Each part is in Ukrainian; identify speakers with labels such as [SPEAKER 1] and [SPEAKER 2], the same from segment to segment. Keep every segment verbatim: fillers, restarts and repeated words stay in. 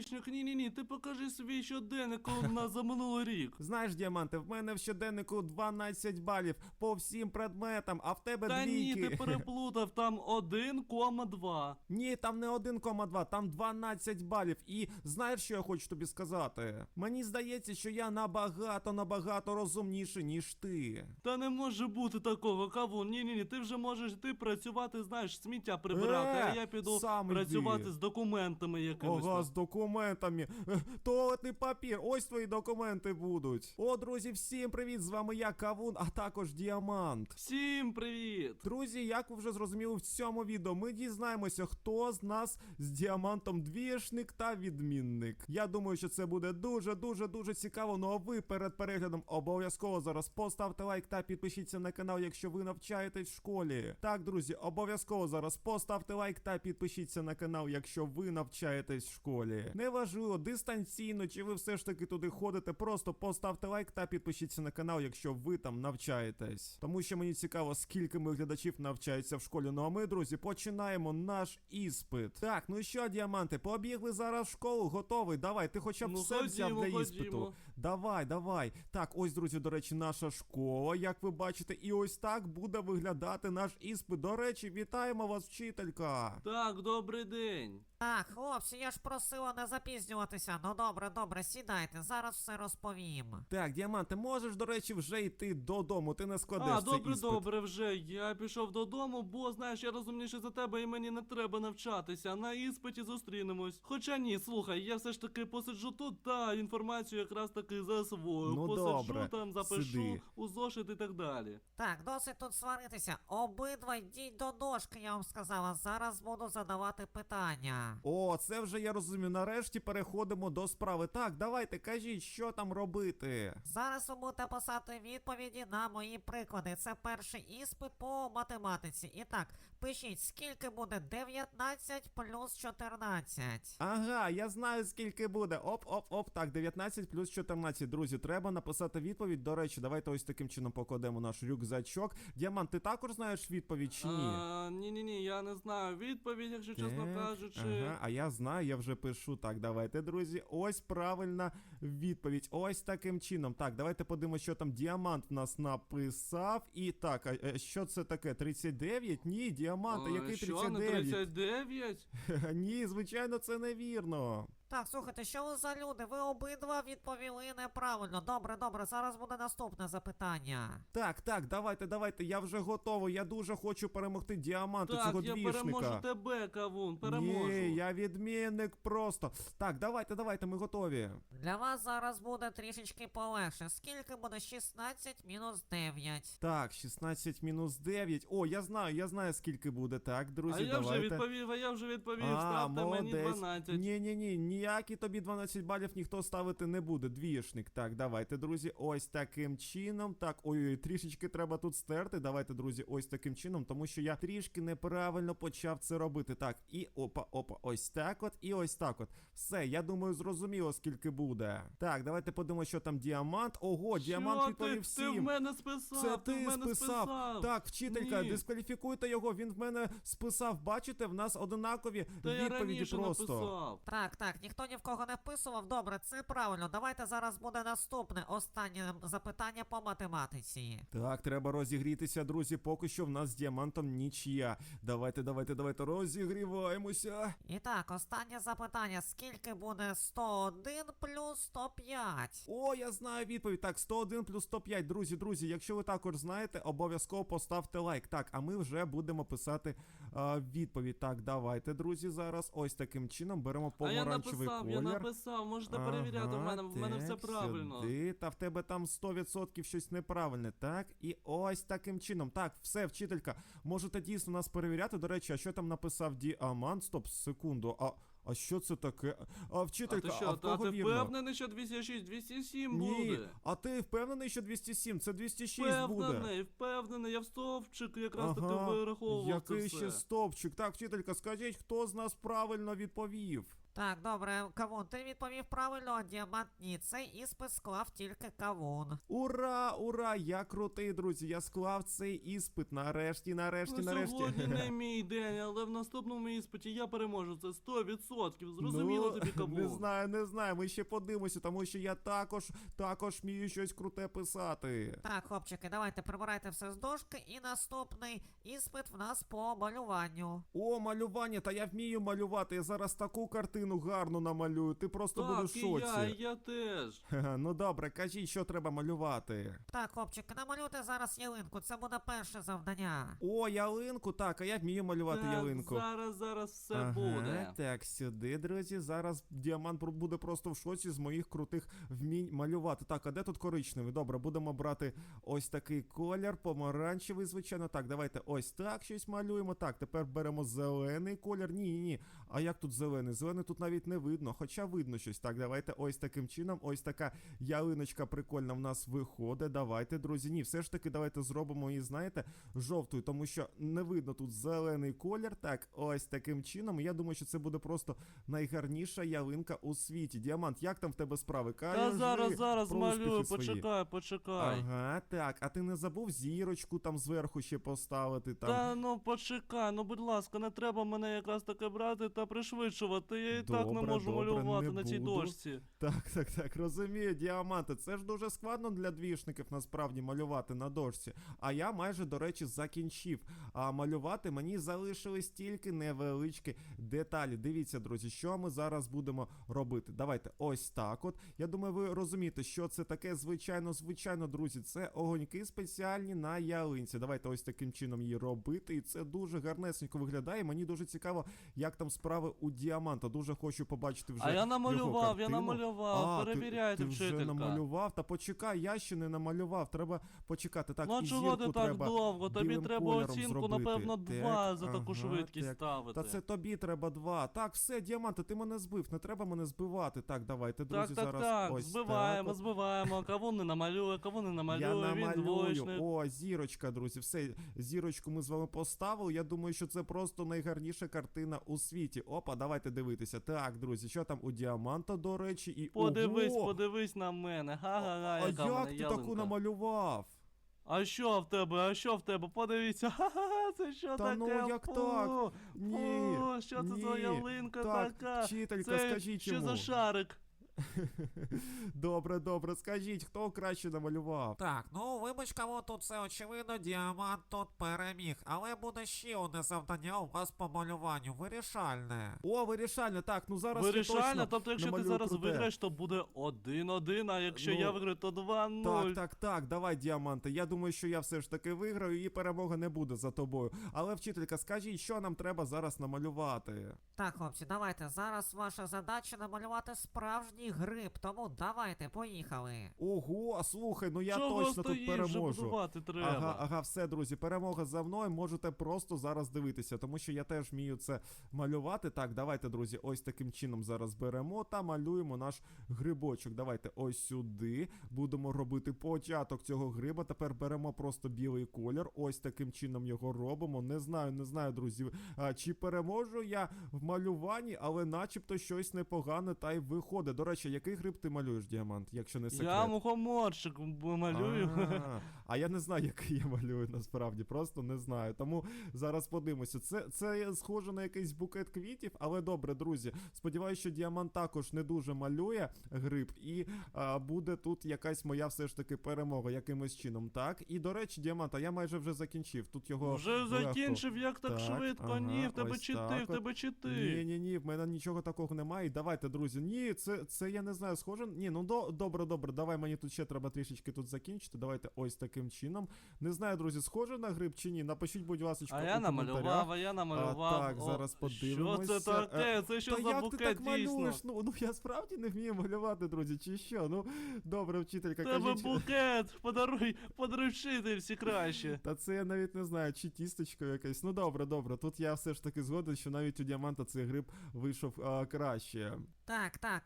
[SPEAKER 1] двічник, ні-ні-ні, ти покажи свій щоденник на за минулий рік.
[SPEAKER 2] Знаєш, Діаманте, в мене в щоденнику дванадцять балів по всім предметам, а в тебе
[SPEAKER 1] Та
[SPEAKER 2] двійки.
[SPEAKER 1] ні, ти переплутав, там один кома два.
[SPEAKER 2] Ні, там не один кома два, там дванадцять балів. І знаєш, що я хочу тобі сказати? Мені здається, що я набагато-набагато розумніший, ніж ти.
[SPEAKER 1] Та не може бути такого, Кавун, ні-ні-ні, ти вже можеш ти працювати, знаєш, сміття прибирати,
[SPEAKER 2] Е,
[SPEAKER 1] а я піду
[SPEAKER 2] сам
[SPEAKER 1] працювати
[SPEAKER 2] йди.
[SPEAKER 1] з документами якимись.
[SPEAKER 2] Ага,
[SPEAKER 1] там.
[SPEAKER 2] з документами. Е, Туалетний папір, ось твої документи будуть. О, друзі, всім привіт, з вами я, Кавун, а також Діамант.
[SPEAKER 1] Всім привіт!
[SPEAKER 2] Друзі, як ви вже зрозуміли в цьому відео, ми дізнаємося, хто з нас з Діамантом двішник та відмінник. Я думаю, що це буде дуже-дуже-дуже цікаво, ну а ви перед переглядом обов'язково зараз поставте лайк та підпишіться на канал, якщо ви навчаєтесь в школі. Так, друзі, обов'язково зараз поставте лайк та підпишіться на канал, якщо ви навчаєтесь в школі. Неважливо, дистанційно, чи ви все ж таки туди ходите, просто поставте лайк та підпишіться на канал, якщо ви там навчаєтесь. Тому що мені цікаво, скільки моїх глядачів навчаються в школі. Ну а ми, друзі, починаємо наш іспит. Так, ну що, Діаманти, побігли зараз в школу, готовий? Давай, ти хоча б
[SPEAKER 1] Ну,
[SPEAKER 2] все
[SPEAKER 1] ходімо,
[SPEAKER 2] взяв для іспиту.
[SPEAKER 1] ходімо.
[SPEAKER 2] Давай, давай. Так, ось, друзі, до речі, наша школа, як ви бачите, і ось так буде виглядати наш іспит. До речі, вітаємо вас, вчителька.
[SPEAKER 1] Так, добрий день.
[SPEAKER 3] Так, хлопці, я ж просила не запізнюватися. Ну добре, добре, сідайте, зараз все розповім.
[SPEAKER 2] Так, Діамант, ти можеш, до речі, вже йти додому, ти не складеш
[SPEAKER 1] А,
[SPEAKER 2] цей
[SPEAKER 1] добре,
[SPEAKER 2] іспит.
[SPEAKER 1] добре, вже. Я пішов додому, бо, знаєш, я розумніший за тебе і мені не треба навчатися. На іспиті зустрінемось. Хоча ні, слухай, я все ж таки посиджу тут та інформацію якраз таки засвою.
[SPEAKER 2] Ну,
[SPEAKER 1] посиджу
[SPEAKER 2] добре,
[SPEAKER 1] там, запишу
[SPEAKER 2] сиди.
[SPEAKER 1] у зошит і так далі.
[SPEAKER 3] Так, досить тут сваритися. Обидва йдіть до дошки, я вам сказала. Зараз буду задавати питання.
[SPEAKER 2] О, це вже я розумію. Нарешті переходимо до справи. Так, давайте, кажіть, що там робити.
[SPEAKER 3] Зараз ви будете писати відповіді на мої приклади. Це перший іспит по математиці. І так, пишіть, скільки буде дев'ятнадцять плюс чотирнадцять.
[SPEAKER 2] Ага, я знаю, скільки буде. Оп-оп-оп. Так, дев'ятнадцять плюс чотирнадцять. Друзі, треба написати відповідь. До речі, давайте ось таким чином покладемо наш рюкзачок. Діамант, ти також знаєш відповідь чи ні?
[SPEAKER 1] А, ні-ні-ні, я не знаю відповідь, якщо чесно
[SPEAKER 2] Так,
[SPEAKER 1] кажучи.
[SPEAKER 2] Ага, а я знаю, я вже пишу. Так, давайте, друзі. Ось правильна відповідь. Ось таким чином. Так, давайте подивимося, що там Діамант в нас написав. І так, а, а що це таке? тридцять дев'ять? Ні, Діамант, а який
[SPEAKER 1] Що,
[SPEAKER 2] тридцять
[SPEAKER 1] не
[SPEAKER 2] дев'ять?
[SPEAKER 1] тридцять дев'ять?
[SPEAKER 2] Ні, звичайно, це невірно.
[SPEAKER 3] Так, слухайте, що ви за люди? Ви обидва відповіли неправильно. Добре, добре, зараз буде наступне запитання.
[SPEAKER 2] Так, так, давайте, давайте, я вже готовий. Я дуже хочу перемогти Діаманта,
[SPEAKER 1] Так,
[SPEAKER 2] цього
[SPEAKER 1] я
[SPEAKER 2] двішника.
[SPEAKER 1] переможу тебе, Кавун, переможу.
[SPEAKER 2] Ні, я відмінник просто. Так, давайте, давайте, ми готові.
[SPEAKER 3] Для вас зараз буде трішечки полегше. Скільки буде шістнадцять мінус дев'ять?
[SPEAKER 2] Так, шістнадцять мінус дев'ять. О, я знаю, я знаю, скільки буде. Так, друзі,
[SPEAKER 1] А я
[SPEAKER 2] давайте.
[SPEAKER 1] вже відповів, а я вже відповів,
[SPEAKER 2] А,
[SPEAKER 1] ставте мені
[SPEAKER 2] молодець.
[SPEAKER 1] дванадцять.
[SPEAKER 2] Ні-ні-ні, ніякі тобі дванадцять балів ніхто ставити не буде, двішник. Так, давайте, друзі, ось таким чином. Так, ой-ой, трішечки треба тут стерти. Давайте, друзі, ось таким чином, тому що я трішки неправильно почав це робити. Так, і опа-опа, ось так от, і ось так от. Все, я думаю, зрозуміло, скільки буде. Так, давайте подивимося, що там Діамант. Ого, Діамант
[SPEAKER 1] Що
[SPEAKER 2] відповів
[SPEAKER 1] ти,
[SPEAKER 2] всім.
[SPEAKER 1] ти в мене списав,
[SPEAKER 2] Це
[SPEAKER 1] ти,
[SPEAKER 2] ти
[SPEAKER 1] в мене
[SPEAKER 2] списав.
[SPEAKER 1] списав.
[SPEAKER 2] Так, вчителька,
[SPEAKER 1] Ні.
[SPEAKER 2] дискваліфікуйте його, він в мене списав. Бачите, в нас одинакові
[SPEAKER 1] Та я
[SPEAKER 2] відповіді
[SPEAKER 1] раніше
[SPEAKER 2] просто.
[SPEAKER 1] написав.
[SPEAKER 3] Так, так, ніхто ні в кого не вписував. Добре, це правильно. Давайте зараз буде наступне, останнє запитання по математиці.
[SPEAKER 2] Так, треба розігрітися, друзі, поки що в нас з Діамантом нічия. Давайте, давайте, давайте, розігріваємося.
[SPEAKER 3] І так, останнє запитання. Скільки буде сто один плюс сто п'ять?
[SPEAKER 2] О, я знаю відповідь. Так, сто один плюс сто п'ять. Друзі, друзі, якщо ви також знаєте, обов'язково поставте лайк. Так, а ми вже будемо писати а, відповідь. Так, давайте, друзі, зараз ось таким чином беремо
[SPEAKER 1] А я
[SPEAKER 2] помаранчевий
[SPEAKER 1] написав,
[SPEAKER 2] колір.
[SPEAKER 1] я написав, можете перевіряти, в мене, в мене все
[SPEAKER 2] так,
[SPEAKER 1] правильно.
[SPEAKER 2] Сюди. Та в тебе там сто відсотків щось неправильне, так? І ось таким чином. Так, все, вчителька, можете дійсно нас перевіряти. До речі, а що там написав Діамант? Стоп, секунду, а... А що це таке? А, вчителька,
[SPEAKER 1] А ти що,
[SPEAKER 2] а в
[SPEAKER 1] та
[SPEAKER 2] кого
[SPEAKER 1] ти
[SPEAKER 2] вірно?
[SPEAKER 1] впевнений, що двісті шість, двісті сім
[SPEAKER 2] Ні,
[SPEAKER 1] буде?
[SPEAKER 2] а ти впевнений, що двісті сім? Це двісті шість буде.
[SPEAKER 1] Впевнений, впевнений, я в стовпчик якраз
[SPEAKER 2] Ага,
[SPEAKER 1] таки вираховував це
[SPEAKER 2] який
[SPEAKER 1] все.
[SPEAKER 2] ще стовпчик. Так, вчителька, скажіть, хто з нас правильно відповів?
[SPEAKER 3] Так, добре, Кавун, ти відповів правильно, Діамант ні. Цей іспит склав тільки Кавун.
[SPEAKER 2] Ура, ура! Я крутий, друзі. Я склав цей іспит. Нарешті, нарешті,
[SPEAKER 1] Ну,
[SPEAKER 2] нарешті.
[SPEAKER 1] сьогодні не мій день, але в наступному іспиті я переможу. Це сто відсотків. Зрозуміло
[SPEAKER 2] Ну,
[SPEAKER 1] тобі, Кавун?
[SPEAKER 2] Не знаю, не знаю. Ми ще подивимося, тому що я також, також вмію щось круте писати.
[SPEAKER 3] Так, хлопчики, давайте прибирайте все з дошки, і наступний іспит в нас по малюванню.
[SPEAKER 2] О, малювання, та я вмію малювати. Я зараз таку картину гарну намалюю. Ти просто будеш в
[SPEAKER 1] Так, і
[SPEAKER 2] шоці.
[SPEAKER 1] я, і я теж.
[SPEAKER 2] Ха-ха, ну добре, кажіть, що треба малювати.
[SPEAKER 3] Так, хлопчики, намалюйте зараз ялинку, це буде перше завдання.
[SPEAKER 2] О, ялинку, так, а я вмію малювати
[SPEAKER 1] Так,
[SPEAKER 2] ялинку.
[SPEAKER 1] зараз, зараз все
[SPEAKER 2] Ага,
[SPEAKER 1] буде.
[SPEAKER 2] так, сюди, друзі. Зараз діамант про- буде просто в шоці з моїх крутих вмінь малювати. Так, а де тут коричневий? Добре, будемо брати ось такий колір, помаранчевий, звичайно. Так, давайте ось так щось малюємо. Так, тепер беремо зелений колір. Ні, ні, ні. А як тут зелений? Зелений тут навіть не видно, хоча видно щось. Так, давайте ось таким чином. Ось така ялиночка прикольна в нас виходить. Давайте, друзі. Ні, все ж таки, давайте зробимо її, знаєте, жовтою, тому що не видно тут зелений колір. Так, ось таким чином. Я думаю, що це буде просто найгарніша ялинка у світі. Діамант, як там в тебе справи?
[SPEAKER 1] Та
[SPEAKER 2] Кажи
[SPEAKER 1] зараз, зараз
[SPEAKER 2] про
[SPEAKER 1] малюю,
[SPEAKER 2] успіхи свої.
[SPEAKER 1] почекай, почекай.
[SPEAKER 2] Ага, так, а ти не забув зірочку там зверху ще поставити там.
[SPEAKER 1] Та ну почекай, ну будь ласка, не треба мене якраз таке брати та пришвидшувати. Я і так не
[SPEAKER 2] Добре,
[SPEAKER 1] можу
[SPEAKER 2] добре,
[SPEAKER 1] малювати
[SPEAKER 2] не
[SPEAKER 1] на цій
[SPEAKER 2] буду.
[SPEAKER 1] дошці.
[SPEAKER 2] Так, так, так, розумію, діаманти. Це ж дуже складно для двішників насправді малювати на дошці. А я майже, до речі, закінчив. А малювати мені залишились тільки невеличкі деталі. Дивіться, друзі, що ми зараз будемо робити. Давайте ось так от. Я думаю, ви розумієте, що це таке. Звичайно, звичайно, друзі, це огоньки спеціальні на ялинці. Давайте ось таким чином її робити. І це дуже гарнесенько виглядає. Мені дуже цікаво, як там справи у діаманта. Дуже хочу побачити вже
[SPEAKER 1] А я
[SPEAKER 2] його
[SPEAKER 1] намалював, я
[SPEAKER 2] картину.
[SPEAKER 1] намалював,
[SPEAKER 2] А,
[SPEAKER 1] перевіряйте,
[SPEAKER 2] ти, ти вже
[SPEAKER 1] вчителька.
[SPEAKER 2] намалював? Та почекай, я ще не намалював, треба почекати. Так,
[SPEAKER 1] Ну а
[SPEAKER 2] і
[SPEAKER 1] чого ти
[SPEAKER 2] зірку
[SPEAKER 1] так
[SPEAKER 2] треба
[SPEAKER 1] довго? Тобі
[SPEAKER 2] білим
[SPEAKER 1] треба
[SPEAKER 2] кольором
[SPEAKER 1] оцінку,
[SPEAKER 2] зробити.
[SPEAKER 1] напевно,
[SPEAKER 2] Так,
[SPEAKER 1] два за таку
[SPEAKER 2] ага,
[SPEAKER 1] швидкість
[SPEAKER 2] так.
[SPEAKER 1] ставити.
[SPEAKER 2] Та це тобі треба два. Так, все, діаманти, ти мене збив, не треба мене збивати. Так, давайте, друзі,
[SPEAKER 1] Так, так,
[SPEAKER 2] зараз
[SPEAKER 1] так,
[SPEAKER 2] ось
[SPEAKER 1] збиваємо,
[SPEAKER 2] так. от.
[SPEAKER 1] збиваємо. Кого не намалює, кого не
[SPEAKER 2] Я
[SPEAKER 1] намалює, він
[SPEAKER 2] намалюю.
[SPEAKER 1] двоєчник.
[SPEAKER 2] О, зірочка, друзі. Все, зірочку ми з вами поставили. Я думаю, що це просто найгарніша картина у світі. Опа, давайте дивитися. Так, друзі, що там у діаманта, до речі, і
[SPEAKER 1] Подивись,
[SPEAKER 2] Ого!
[SPEAKER 1] подивись на мене. Га-га-га,
[SPEAKER 2] А
[SPEAKER 1] яка в
[SPEAKER 2] як
[SPEAKER 1] мене
[SPEAKER 2] ти
[SPEAKER 1] ялинка.
[SPEAKER 2] таку намалював?
[SPEAKER 1] А що в тебе? А що в тебе? Подивіться. Ха-ха-ха, це що
[SPEAKER 2] Та
[SPEAKER 1] таке?
[SPEAKER 2] ну, як
[SPEAKER 1] Фу,
[SPEAKER 2] так? Ні,
[SPEAKER 1] фу, що це за
[SPEAKER 2] ні.
[SPEAKER 1] ялинка
[SPEAKER 2] Так,
[SPEAKER 1] така?
[SPEAKER 2] вчителька,
[SPEAKER 1] Це
[SPEAKER 2] скажіть
[SPEAKER 1] що
[SPEAKER 2] йому.
[SPEAKER 1] за шарик?
[SPEAKER 2] Добре, добре, скажіть, хто краще намалював?
[SPEAKER 3] Так, ну вибач, кого тут все очевидно, діамант тут переміг. Але буде ще одне завдання у вас по малюванню, вирішальне.
[SPEAKER 2] О, вирішально, так, ну зараз я
[SPEAKER 1] Вирішально,
[SPEAKER 2] точно
[SPEAKER 1] тобто якщо ти
[SPEAKER 2] намалюю
[SPEAKER 1] зараз
[SPEAKER 2] круте.
[SPEAKER 1] виграєш, то буде один-один, а якщо
[SPEAKER 2] Ну,
[SPEAKER 1] я виграю, то два-нуль.
[SPEAKER 2] Так, так, так, давай, діаманти. Я думаю, що я все ж таки виграю і перемога не буде за тобою. Але, вчителька, скажіть, що нам треба зараз намалювати?
[SPEAKER 3] Так, хлопці, давайте. Зараз ваша задача намалювати справжній гриб, тому давайте, поїхали.
[SPEAKER 2] Ого, слухай, ну я
[SPEAKER 1] Чого
[SPEAKER 2] точно
[SPEAKER 1] стоїш?
[SPEAKER 2] тут
[SPEAKER 1] Вже
[SPEAKER 2] переможу.
[SPEAKER 1] будувати треба.
[SPEAKER 2] Ага, ага, все, друзі, перемога за мною. Можете просто зараз дивитися, тому що я теж вмію це малювати. Так, давайте, друзі, ось таким чином зараз беремо та малюємо наш грибочок. Давайте ось сюди. Будемо робити початок цього гриба. Тепер беремо просто білий колір. Ось таким чином його робимо. Не знаю, не знаю, друзі, а, чи переможу я в малюванні, але начебто щось непогане та й виходить. До речі, який гриб ти малюєш, діамант, якщо не секрет?
[SPEAKER 1] Я мухоморчик малюю.
[SPEAKER 2] А, а я не знаю, який я малюю насправді, просто не знаю. Тому зараз подивимося. Це, це схоже на якийсь букет квітів, але добре, друзі. Сподіваюся, що діамант також не дуже малює гриб, і а, буде тут якась моя все ж таки перемога якимось чином. Так, і до речі, діамант, а я майже вже закінчив. Тут його
[SPEAKER 1] Вже
[SPEAKER 2] легко.
[SPEAKER 1] закінчив, як так,
[SPEAKER 2] Так,
[SPEAKER 1] швидко?
[SPEAKER 2] ага,
[SPEAKER 1] Ні, в тебе
[SPEAKER 2] ось
[SPEAKER 1] чити,
[SPEAKER 2] так
[SPEAKER 1] в тебе
[SPEAKER 2] Ні,
[SPEAKER 1] чити.
[SPEAKER 2] ні, ні, в мене нічого такого немає. І давайте, друзі. Ні, це, це я не знаю, схоже. Ні, ну до, добре, добре. Давай мені тут ще треба трішечки тут закінчити. Давайте ось таким чином. Не знаю, друзі, схоже на гриб чи ні. Напишіть, будь ласка,
[SPEAKER 1] А
[SPEAKER 2] у
[SPEAKER 1] я намалював,
[SPEAKER 2] коментарях.
[SPEAKER 1] а я намалював.
[SPEAKER 2] так,
[SPEAKER 1] О,
[SPEAKER 2] зараз подивимося.
[SPEAKER 1] Що це таке?
[SPEAKER 2] Е,
[SPEAKER 1] Це що
[SPEAKER 2] Та
[SPEAKER 1] за
[SPEAKER 2] як ти
[SPEAKER 1] букет
[SPEAKER 2] так
[SPEAKER 1] дійсно?
[SPEAKER 2] малюєш? Ну, ну я справді не вмію малювати, друзі, чи що? Ну, добре, вчителька,
[SPEAKER 1] Тебе
[SPEAKER 2] кажіть.
[SPEAKER 1] букет, подаруй, подаруй вчительці краще.
[SPEAKER 2] Та це я навіть не знаю, чи тістечко якесь. Ну добре, добре. Тут я все ж таки згоден, що навіть у діаманта цей гриб вийшов а, краще.
[SPEAKER 3] Так, так, а із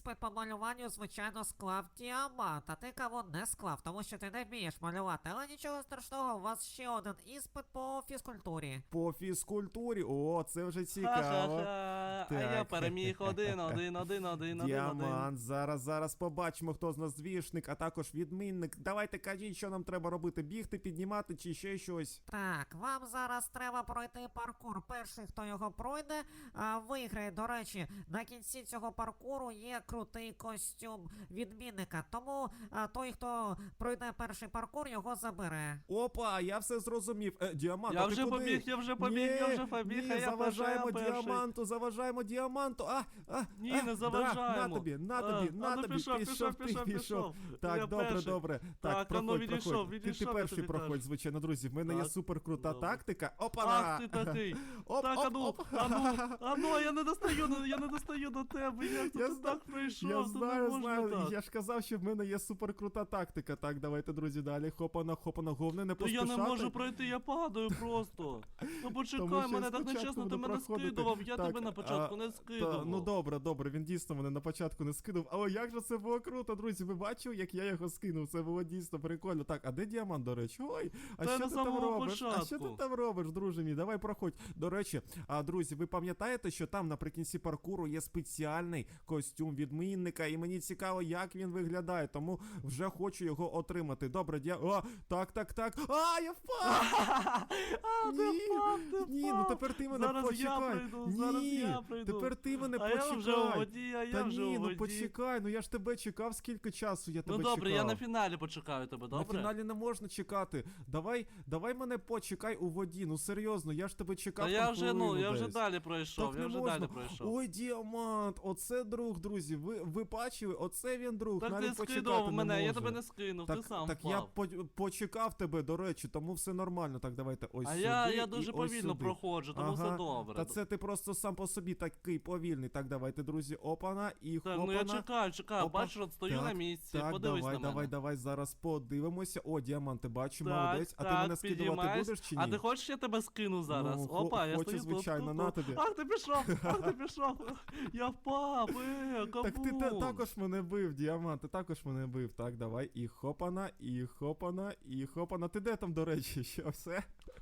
[SPEAKER 3] іспит по малюванню, звичайно, склав діамант, а ти кого не склав, тому що ти не вмієш малювати. Але нічого страшного, у вас ще один іспит по фізкультурі.
[SPEAKER 2] По фізкультурі. О, це вже цікаво.
[SPEAKER 1] Ха-ха-ха. А я
[SPEAKER 2] Так.
[SPEAKER 1] переміг один, один, один, один, один, один.
[SPEAKER 2] Діамант, зараз, зараз побачимо, хто з нас двішник, а також відмінник. Давайте кажіть, що нам треба робити, бігти, піднімати чи ще щось.
[SPEAKER 3] Так, вам зараз треба пройти паркур. Перший, хто його пройде, а, виграє. До речі, на кінці цього паркуру є крутий костюм відмінника. Тому а, той, хто пройде перший паркур, його забере.
[SPEAKER 2] Опа, я все зрозумів. Е, діамант,
[SPEAKER 1] Я
[SPEAKER 2] а ти
[SPEAKER 1] вже
[SPEAKER 2] куди?
[SPEAKER 1] побіг, я вже побіг,
[SPEAKER 2] Ні,
[SPEAKER 1] я вже побіг,
[SPEAKER 2] ні,
[SPEAKER 1] а я
[SPEAKER 2] заважаємо
[SPEAKER 1] перший, я перший.
[SPEAKER 2] діаманту, заважаємо діаманту. А, а,
[SPEAKER 1] Ні,
[SPEAKER 2] а,
[SPEAKER 1] не
[SPEAKER 2] да,
[SPEAKER 1] заважаємо.
[SPEAKER 2] на тобі, на
[SPEAKER 1] А,
[SPEAKER 2] тобі,
[SPEAKER 1] а
[SPEAKER 2] на
[SPEAKER 1] ну
[SPEAKER 2] тобі,
[SPEAKER 1] пішов,
[SPEAKER 2] пішов,
[SPEAKER 1] пішов,
[SPEAKER 2] ти,
[SPEAKER 1] пішов, пішов.
[SPEAKER 2] Так,
[SPEAKER 1] Я
[SPEAKER 2] добре,
[SPEAKER 1] перший.
[SPEAKER 2] добре.
[SPEAKER 1] Так,
[SPEAKER 2] Так,
[SPEAKER 1] а ну,
[SPEAKER 2] проходь,
[SPEAKER 1] відійшов,
[SPEAKER 2] проходь. Ти, ти
[SPEAKER 1] відійшов,
[SPEAKER 2] перший
[SPEAKER 1] я тобі
[SPEAKER 2] проходь,
[SPEAKER 1] кажу.
[SPEAKER 2] звичайно, друзі. В мене є
[SPEAKER 1] Так,
[SPEAKER 2] супер крута
[SPEAKER 1] добре.
[SPEAKER 2] тактика. Опа!
[SPEAKER 1] Ах ти такий.
[SPEAKER 2] Оп,
[SPEAKER 1] Так,
[SPEAKER 2] оп,
[SPEAKER 1] а ну,
[SPEAKER 2] оп.
[SPEAKER 1] а ну, а ну, я не достаю, ну, я не достаю до тебе, як
[SPEAKER 2] Я
[SPEAKER 1] ти
[SPEAKER 2] зна-
[SPEAKER 1] так прийшов,
[SPEAKER 2] Я
[SPEAKER 1] то не
[SPEAKER 2] знаю,
[SPEAKER 1] можна
[SPEAKER 2] знаю.
[SPEAKER 1] так.
[SPEAKER 2] Я ж казав, що в мене є супер крута тактика. Так, давайте, друзі, далі. Хопана, хопана, головне не
[SPEAKER 1] То я
[SPEAKER 2] поспішати.
[SPEAKER 1] не можу пройти, я падаю просто. Ну
[SPEAKER 2] Тому
[SPEAKER 1] почекай,
[SPEAKER 2] що я
[SPEAKER 1] мене так
[SPEAKER 2] спочатку
[SPEAKER 1] нечесно, ти
[SPEAKER 2] буду
[SPEAKER 1] мене
[SPEAKER 2] проходити.
[SPEAKER 1] скидував, я
[SPEAKER 2] Так,
[SPEAKER 1] тебе на початку
[SPEAKER 2] а,
[SPEAKER 1] не
[SPEAKER 2] Та,
[SPEAKER 1] скидував.
[SPEAKER 2] ну добре, добре, він дійсно мене на початку не скинув. Але як же це було круто, друзі? Ви бачили, як я його скинув? Це було дійсно прикольно. Так, а де діамант, до речі? Ой, а
[SPEAKER 1] Та
[SPEAKER 2] що
[SPEAKER 1] на
[SPEAKER 2] ти там
[SPEAKER 1] самому
[SPEAKER 2] робиш? А що ти
[SPEAKER 1] початку.
[SPEAKER 2] там робиш, друже мій? Давай проходь. До речі, а друзі, ви пам'ятаєте, що там наприкінці паркуру є спеціальний костюм відмінника, і мені цікаво, як він виглядає, тому вже хочу його отримати. Добре, дя... О, так, так, так. А, я впав!
[SPEAKER 1] А, ти
[SPEAKER 2] Ні,
[SPEAKER 1] впав, ти
[SPEAKER 2] Ні, ну
[SPEAKER 1] впав.
[SPEAKER 2] тепер ти мене
[SPEAKER 1] Зараз я
[SPEAKER 2] почекай.
[SPEAKER 1] прийду,
[SPEAKER 2] Ні,
[SPEAKER 1] зараз я прийду.
[SPEAKER 2] тепер ти мене
[SPEAKER 1] А я
[SPEAKER 2] почекай.
[SPEAKER 1] вже у воді, а я
[SPEAKER 2] Та
[SPEAKER 1] вже
[SPEAKER 2] ні,
[SPEAKER 1] у
[SPEAKER 2] ну
[SPEAKER 1] воді.
[SPEAKER 2] почекай, ну я ж тебе чекав, скільки часу я
[SPEAKER 1] Ну
[SPEAKER 2] тебе
[SPEAKER 1] добре, я
[SPEAKER 2] чекав.
[SPEAKER 1] на фіналі почекаю тебе,
[SPEAKER 2] На
[SPEAKER 1] добре?
[SPEAKER 2] фіналі не можна чекати. Давай, давай мене почекай у воді. Ну серйозно, я ж тебе чекав.
[SPEAKER 1] Та
[SPEAKER 2] там
[SPEAKER 1] я вже, ну,
[SPEAKER 2] хвилину
[SPEAKER 1] я вже
[SPEAKER 2] десь.
[SPEAKER 1] далі пройшов,
[SPEAKER 2] Так
[SPEAKER 1] я
[SPEAKER 2] не
[SPEAKER 1] вже
[SPEAKER 2] можна.
[SPEAKER 1] далі пройшов.
[SPEAKER 2] Ой, діамант, оце друг, друзі. Ви, ви бачили, оце він друг.
[SPEAKER 1] Так
[SPEAKER 2] навіть
[SPEAKER 1] ти
[SPEAKER 2] почекати
[SPEAKER 1] скидував
[SPEAKER 2] не
[SPEAKER 1] мене, я
[SPEAKER 2] може.
[SPEAKER 1] тебе не скинув,
[SPEAKER 2] Так,
[SPEAKER 1] ти сам
[SPEAKER 2] так
[SPEAKER 1] впав.
[SPEAKER 2] я по почекав тебе, до речі, тому все нормально. Так, давайте ось
[SPEAKER 1] А
[SPEAKER 2] сюди.
[SPEAKER 1] я, я
[SPEAKER 2] і
[SPEAKER 1] дуже
[SPEAKER 2] ось
[SPEAKER 1] повільно
[SPEAKER 2] сюди.
[SPEAKER 1] проходжу, тому все
[SPEAKER 2] Ага,
[SPEAKER 1] добре.
[SPEAKER 2] Та це ти просто сам по собі такий повільний. Так, давайте, друзі, опана і
[SPEAKER 1] Так,
[SPEAKER 2] хопана.
[SPEAKER 1] ну я чекаю, чекаю,
[SPEAKER 2] Опа.
[SPEAKER 1] бачиш, от стою
[SPEAKER 2] Так,
[SPEAKER 1] на місці,
[SPEAKER 2] Так,
[SPEAKER 1] подивись
[SPEAKER 2] давай,
[SPEAKER 1] на мене.
[SPEAKER 2] давай, давай, зараз подивимося. О, діаманти, бачу,
[SPEAKER 1] Так,
[SPEAKER 2] молодець. А ти
[SPEAKER 1] так,
[SPEAKER 2] мене скидувати
[SPEAKER 1] підіймаюсь.
[SPEAKER 2] будеш чи ні?
[SPEAKER 1] А ти хочеш, я тебе скину зараз?
[SPEAKER 2] Ну, хо-
[SPEAKER 1] Опа, я
[SPEAKER 2] хочу,
[SPEAKER 1] стою
[SPEAKER 2] звичайно,
[SPEAKER 1] тут,
[SPEAKER 2] на
[SPEAKER 1] тут, тут.
[SPEAKER 2] тобі.
[SPEAKER 1] Ах, ти пішов, ах, ти пішов. Я впав, е, кабум.
[SPEAKER 2] Так ти та- також мене бив, діамант, ти також мене бив. Так, давай, і хопана, і хопана, і хопана. Ти де там, до речі, що все?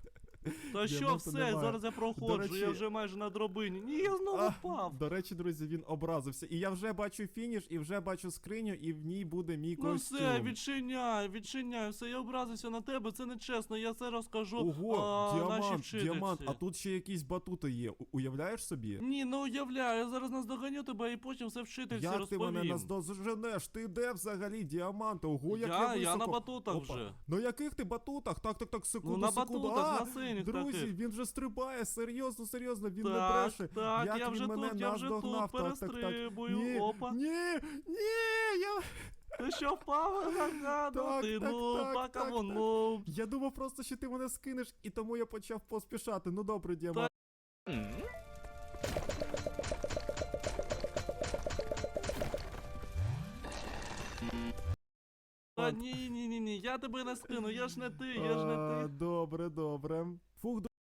[SPEAKER 1] Та що
[SPEAKER 2] Діаманту
[SPEAKER 1] все,
[SPEAKER 2] немає.
[SPEAKER 1] зараз я проходжу,
[SPEAKER 2] речі-
[SPEAKER 1] я вже майже на дробині. Ні, я знову
[SPEAKER 2] А,
[SPEAKER 1] впав.
[SPEAKER 2] До речі, друзі, він образився. І я вже бачу фініш, і вже бачу скриню, і в ній буде мій
[SPEAKER 1] Ну
[SPEAKER 2] костюм.
[SPEAKER 1] все, відчиняй, відчиняй, все, я образився на тебе, це не чесно, я це розкажу
[SPEAKER 2] Ого,
[SPEAKER 1] а, нашій
[SPEAKER 2] діамант,
[SPEAKER 1] вчительці.
[SPEAKER 2] діамант, а тут ще якісь батути є. У- Уявляєш собі?
[SPEAKER 1] Ні, ну уявляю, я зараз наздоганю тебе і потім все вчительці
[SPEAKER 2] Як ти
[SPEAKER 1] розповім.
[SPEAKER 2] мене наздоженеш? Ти де взагалі, діамант? Ого, як я,
[SPEAKER 1] я, я
[SPEAKER 2] високо.
[SPEAKER 1] на батутах
[SPEAKER 2] Опа.
[SPEAKER 1] вже.
[SPEAKER 2] На яких ти батутах? Так, так, так, секунду,
[SPEAKER 1] Ну на
[SPEAKER 2] секунду.
[SPEAKER 1] батутах,
[SPEAKER 2] а,
[SPEAKER 1] на синіх
[SPEAKER 2] друзі,
[SPEAKER 1] таких.
[SPEAKER 2] він вже стрибає, серйозно, серйозно, він не
[SPEAKER 1] Так,
[SPEAKER 2] бреше.
[SPEAKER 1] так,
[SPEAKER 2] Як
[SPEAKER 1] я
[SPEAKER 2] він
[SPEAKER 1] вже
[SPEAKER 2] мене
[SPEAKER 1] тут, я вже тут,
[SPEAKER 2] наздогнав, так, так, так.
[SPEAKER 1] перестрибую,
[SPEAKER 2] Ні,
[SPEAKER 1] опа.
[SPEAKER 2] ні, ні, я...
[SPEAKER 1] Ти що впав? Ага, ну
[SPEAKER 2] Так,
[SPEAKER 1] ти
[SPEAKER 2] так,
[SPEAKER 1] ну,
[SPEAKER 2] так,
[SPEAKER 1] пока
[SPEAKER 2] так,
[SPEAKER 1] вон,
[SPEAKER 2] так.
[SPEAKER 1] ну.
[SPEAKER 2] Я думав просто, що ти мене скинеш, і тому я почав поспішати. Ну добре, діамант.
[SPEAKER 1] Та ні, ні, ні, ні, я тебе не скину, я ж не ти, я ж не
[SPEAKER 2] А,
[SPEAKER 1] ти.
[SPEAKER 2] Добре, добре. Фух,